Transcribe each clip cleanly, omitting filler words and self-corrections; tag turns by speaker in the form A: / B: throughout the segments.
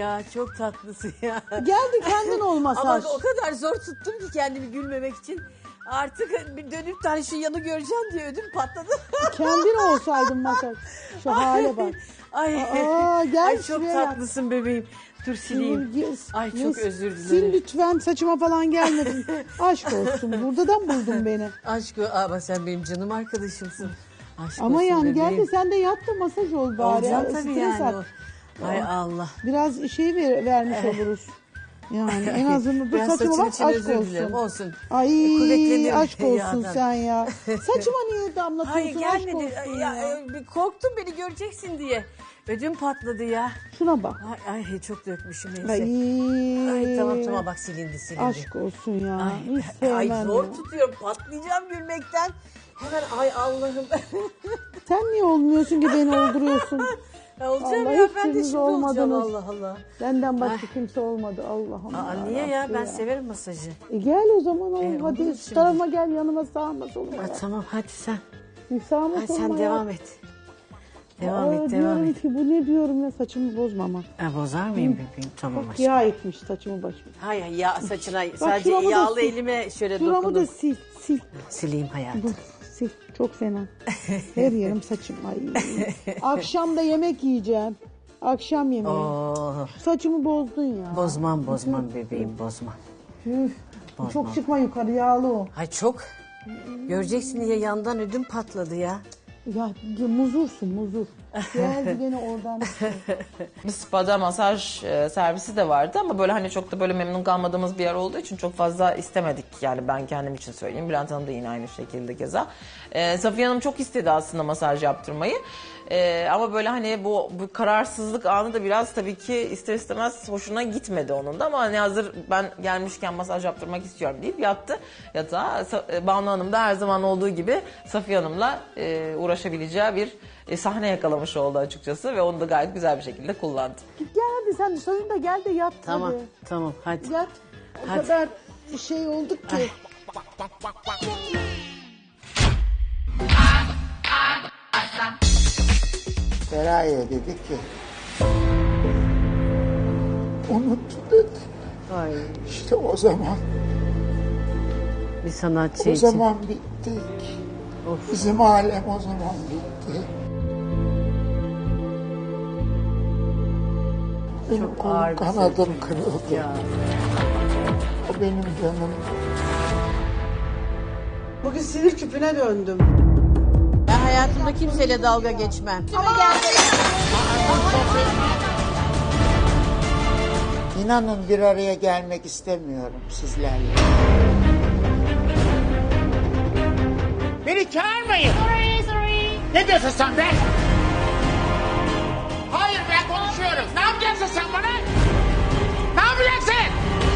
A: ya. Çok tatlısın ya.
B: Geldi kendin ol
A: Ama
B: masaj.
A: o kadar zor tuttum ki kendimi gülmemek için. Artık bir dönüp de hani şu yanı göreceğim diye ödüm patladı.
B: Kendin olsaydın masaj. Şu hale bak.
A: Ay,
B: Gel
A: ay çok
B: şuraya yat.
A: tatlısın bebeğim. Dur sileyim. Ay çok özür
B: Sil
A: dilerim.
B: lütfen, saçıma falan gelmedin. Aşk olsun, buradan buldun beni.
A: Aşk ama sen benim canım arkadaşımsın. Aşk
B: Ama
A: olsun
B: yani
A: bebeğim.
B: gel de sen de yat da masaj ol bari.
A: Olacağım tabii
B: Stres
A: yani.
B: at.
A: Hay Allah.
B: Biraz şey vermiş oluruz. Yani en azından dur
A: Ben
B: saçıma
A: saçım
B: bak,
A: için
B: aşk
A: özür dilerim.
B: olsun.
A: Olsun.
B: Ay
A: Kuvvetlenirim
B: aşk olsun
A: yandan.
B: sen ya. Saçıma niye damlatıyorsun?
A: Hayır
B: Aşk
A: gelmedi.
B: olsun
A: Ya,
B: ya.
A: bir korktum beni göreceksin diye. Ödüm patladı ya.
B: Şuna bak.
A: Ay çok dökmüşüm neyse.
B: Ay,
A: Tamam bak silindi.
B: aşk olsun ya. Hiç
A: Ay
B: sevmem
A: zor
B: ya.
A: tutuyorum patlayacağım gülmekten. Hemen ay Allah'ım.
B: Sen niye olmuyorsun ki beni olduruyorsun?
A: Olacağım
B: Allah
A: ya
B: hiç
A: ben de
B: biriniz
A: şimdi olacağım
B: olmadınız.
A: Allah Allah.
B: Benden başka kimse olmadı Allah'ım.
A: Niye ya
B: yarabbim
A: ben severim masajı.
B: Gel o zaman ol.
A: olur
B: Hadi şu
A: şimdi.
B: tarafa gel, yanıma sağma soluma.
A: Ha, tamam hadi sen.
B: Bir sağma
A: Hadi
B: soluma
A: sen
B: ya.
A: devam et. Devam et.
B: Diyorum ki bu ne diyorum ya, saçımı bozma ama.
A: Bozar mıyım bebeğim? Tamam
B: Bak
A: aşkım.
B: yağ etmiş saçımı başımı.
A: Hayır ya saçına sadece
B: şuramı da
A: yağlı
B: sil.
A: elime şöyle
B: Şuramı da
A: dokundum.
B: sil.
A: Sileyim hayatım.
B: Dur sil. Çok fena. Her yerim saçım. Ay. Akşam da yemek yiyeceğim. Akşam yemeği.
A: Oo,
B: Saçımı bozdun ya.
A: bozmam bebeğim bozmam.
B: Üf. Çok çıkma yukarı, yağlı o.
A: Ay çok. Göreceksin diye yandan ödüm patladı ya.
B: Ya muzursun muzur. Geldi gene oradan.
C: Bir spada masaj servisi de vardı ama böyle hani çok da böyle memnun kalmadığımız bir yer olduğu için çok fazla istemedik. Yani ben kendim için söyleyeyim. Bülent Hanım da yine aynı şekilde keza. Safiye Hanım çok istedi aslında masaj yaptırmayı. Ama böyle hani bu kararsızlık anı da biraz tabii ki ister istemez hoşuna gitmedi onun da. Ama hani hazır ben gelmişken masaj yaptırmak istiyorum deyip yattı yatağa. Banu Hanım da her zaman olduğu gibi Safiye Hanım'la uğraşabileceği bir sahne yakalamış oldu açıkçası ve onu da gayet güzel bir şekilde kullandı.
B: Git gel hadi sen sonunda gel de yat.
A: Tamam
B: Hadi.
A: tamam hadi.
B: Yat. O
A: Hadi.
B: kadar şey olduk ki.
D: Feraye dedi ki unuttu dedi.
A: Ay,
D: İşte o zaman,
A: bir sanatçı
D: o
A: için.
D: zaman bittik.
A: Of.
D: Bizim alem o zaman bitti. Benim
A: Çok ağır
D: kolum
A: bir
D: kanadım kırıldı.
A: Ya.
D: O benim canım.
B: Bugün sinir küpüne döndüm.
A: Ben hayatımda kimseyle dalga geçmem.
D: İnanın bir araya gelmek istemiyorum sizlerle.
E: Beni çağırmayın. Ne diyorsun sen be? Hayır ben konuşuyorum. Ne yapacaksın sen bana? Ne yapacaksın?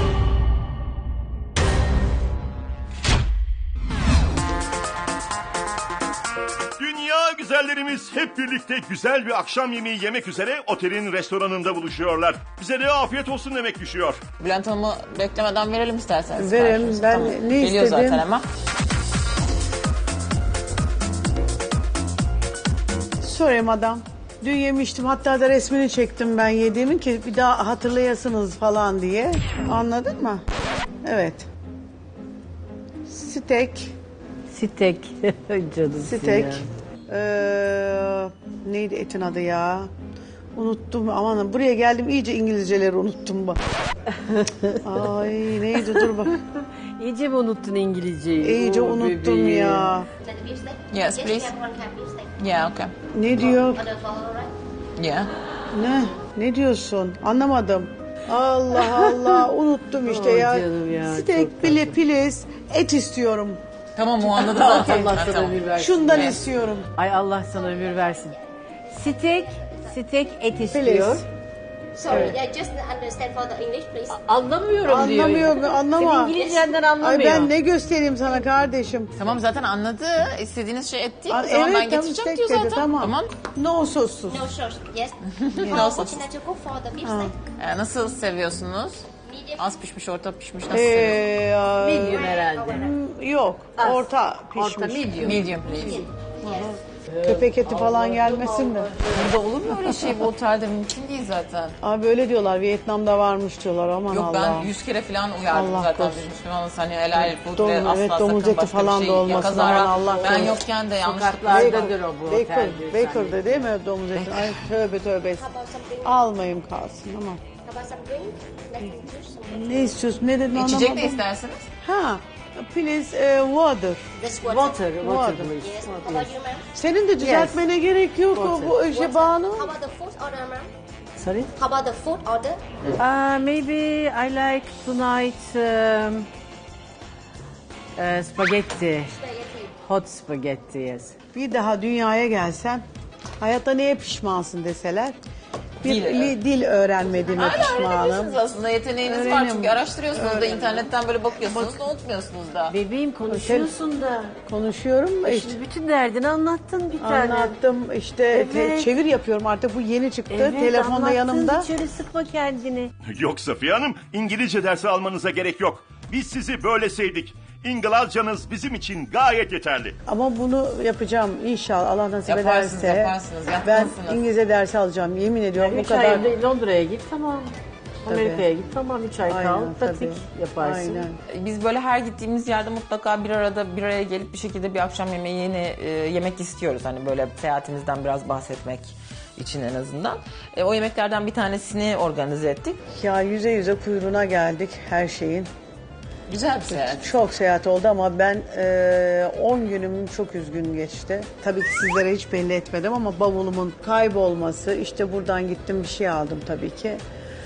F: Dünya güzellerimiz hep birlikte güzel bir akşam yemeği yemek üzere otelin restoranında buluşuyorlar. Bize de afiyet olsun demek düşüyor.
C: Bülent Hanım'ı beklemeden verelim isterseniz.
B: Verelim,
C: siparişimizi.
B: ben ne
C: Geliyor
B: istedim?
C: zaten hemen.
B: Sorry madam. Dün yemiştim, hatta da resmini çektim ben yediğimin ki bir daha hatırlayasınız falan diye. Anladın mı? Evet. Steak.
A: Sitek. Canım
B: Steak. Neydi etin adı ya? Unuttum, aman buraya geldim iyice İngilizceleri unuttum bak. Ay neydi, dur bak.
A: İyice mi unuttun İngilizceyi?
B: İyice
A: Oo,
B: unuttum
A: bebeğim.
B: ya.
C: Yes, please. Yeah, okay.
B: Ne diyor?
C: Yeah.
B: Ne diyorsun? Anlamadım. Allah Allah unuttum işte
A: Oh,
B: ya.
A: canım ya,
B: Steak
A: çok
B: bile piliz, et istiyorum.
C: Tamam o anladı zaten.
A: Allah
C: Ha,
A: sana
C: tamam.
A: ömür versin.
B: Şundan istiyorum.
A: Ay Allah sana ömür versin. Steak et istiyor.
B: Please.
G: Sorry, I just understand for the English, please.
A: Anlamıyorum diyor.
B: Anlamıyor, anlama.
A: Senin İngilizcenden
B: Ay
A: anlamıyor.
B: ben ne göstereyim sana kardeşim?
C: Tamam zaten anladı. İstediğiniz şey et değil mi?
B: Aa,
C: Tamam ben
B: evet,
C: getireceğim
B: steak
C: diyor
B: dedi,
C: zaten.
B: tamam. No sossuz.
G: No sauce, yes.
C: No
G: How
C: sauce.
G: would you like to cook for the beef steak?
C: Nasıl seviyorsunuz?
G: Medium.
C: Az pişmiş, orta pişmiş nasıl seviyorsunuz?
A: Medium herhalde.
B: Yok,
A: Az.
B: orta pişmiş.
A: Orta medium.
C: Medium please.
G: Yes.
B: Köpek eti falan gelmesin de.
C: Burada olur mu öyle şey? Bu otelde mümkün değil zaten.
B: Abi öyle diyorlar. Vietnam'da varmış diyorlar. Aman
C: Yok
B: Allah.
C: ben 100 kere falan uyardım
B: Allah
C: zaten
B: korusun.
C: biz Müslümanız. Hani helal food ve asla
B: Evet,
C: sakın
B: domuz eti
C: başka
B: falan
C: bir
B: da
C: şey
B: olmasın.
C: kazara.
B: Aman Allah
C: Ben
B: korusun.
C: yokken de yanlışlıkla.
D: Sokaklardadır o bu otel.
B: Baker'da değil mi domuz eti? Ay tövbe tövbe.
G: How about something?
B: Almayayım kalsın ama.
G: How about some drink? Let's juice.
B: Ne istiyorsun? Ne dedin
C: İçecek ne
B: anlamadım.
C: istersiniz?
B: Ha, please water.
G: This water.
D: Water please.
G: Yes. How about you, ma'am?
B: Senin de düzeltmene gerek yok o bu işe Banu.
G: How about the food order, ma'am?
H: Sorry?
G: How about the food order?
H: Maybe I like tonight spaghetti.
G: Spaghetti.
H: Hot spaghetti, yes.
B: Bir daha dünyaya gelsen hayatta neye pişmansın deseler. Bir dil öğrenmediğime
C: Hala
B: pişmanım.
C: öğrenebilirsiniz aslında. Yeteneğiniz var
B: Öğrenim.
C: çünkü araştırıyorsunuz da internetten böyle bakıyorsunuz da unutmuyorsunuz da.
H: Bebeğim konuşuyorsun da.
B: Konuşuyorum da işte.
H: Şimdi bütün derdini anlattın bir tane.
B: Anlattım işte
H: Evet.
B: çevir yapıyorum artık bu yeni çıktı
H: Evet,
B: telefonda
H: anlattın,
B: yanımda.
H: hiç öyle sıkma kendini.
F: Yok Safiye Hanım, İngilizce dersi almanıza gerek yok. Biz sizi böyle sevdik. İngilizcanız bizim için gayet yeterli.
B: Ama bunu yapacağım inşallah Allah nasip
C: Yaparsınız,
B: ederse.
C: yaparsınız,
B: Ben
C: yapmalısınız.
B: İngilizce dersi alacağım yemin ediyorum bu
H: 3
B: kadar.
H: ay Londra'ya git tamam. Amerika'ya git tamam 3 ay kal.
B: Aynen,
H: Pratik
B: tabii.
H: yaparsın.
B: Aynen.
C: Biz böyle her gittiğimiz yerde mutlaka bir araya gelip bir şekilde bir akşam yemeğini yemek istiyoruz. Hani böyle seyahatimizden biraz bahsetmek için en azından. O yemeklerden bir tanesini organize ettik.
B: Ya yüze yüze kuyruğuna geldik her şeyin.
C: Güzel bir seyahat.
B: Çok seyahat oldu ama ben 10 günüm çok üzgün geçti. Tabii ki sizlere hiç belli etmedim ama bavulumun kaybolması, işte buradan gittim bir şey aldım tabii ki.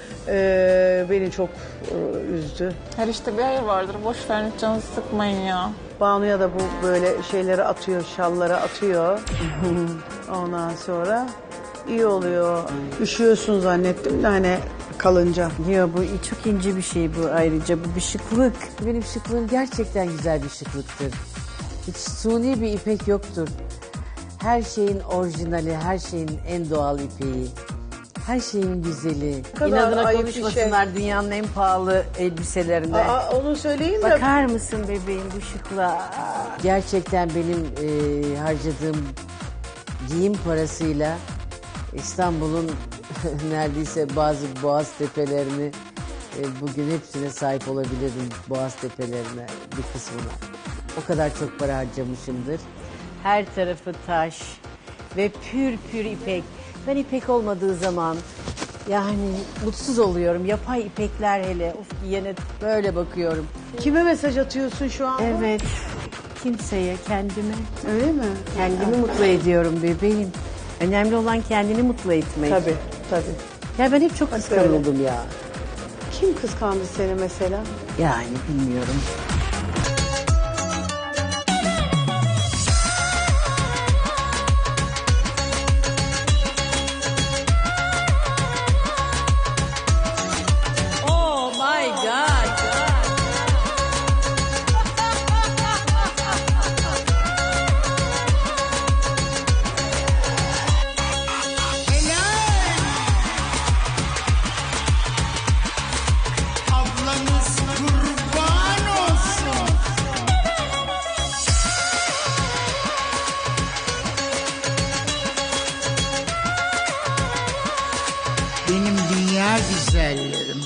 B: Beni çok üzdü.
C: Her işte bir hayır vardır. Boş verin canınızı sıkmayın ya.
B: Banu'ya da bu böyle şeyleri atıyor, şalları atıyor. Ondan sonra iyi oluyor. Üşüyorsun zannettim de hani kalınca.
H: Ya bu çok ince bir şey bu ayrıca. Bu bir şıklık. Benim şıklığım gerçekten güzel bir şıklıktır. Hiç suni bir ipek yoktur. Her şeyin orijinali, her şeyin en doğal ipeği. Her şeyin güzeli.
B: kadar
H: İnadına
B: ayıp bir
H: konuşmasınlar dünyanın en pahalı elbiselerinde.
B: Aa, onu söyleyin de
H: Bakar mısın bebeğim bu şıklığa? Gerçekten benim harcadığım giyim parasıyla İstanbul'un neredeyse bazı boğaz tepelerini bugün hepsine sahip olabilirdim. Boğaz tepelerine bir kısmına. O kadar çok para harcamışımdır. Her tarafı taş ve pür pür ipek. Ben ipek olmadığı zaman yani mutsuz oluyorum. Yapay ipekler hele. Of giyene böyle bakıyorum.
B: kime mesaj atıyorsun şu an?
H: Evet. Kimseye, kendime.
B: Öyle mi?
H: Kendimi mutlu ediyorum bebeğim. Önemli olan kendini mutlu etmek.
B: Tabii, tabii.
H: Ya ben hep çok kıskanıldım ya.
B: Kim kıskandı seni mesela?
H: Yani bilmiyorum.
A: Oh my God.
E: Ablanız kurban olsun. Benim dünya güzellerim.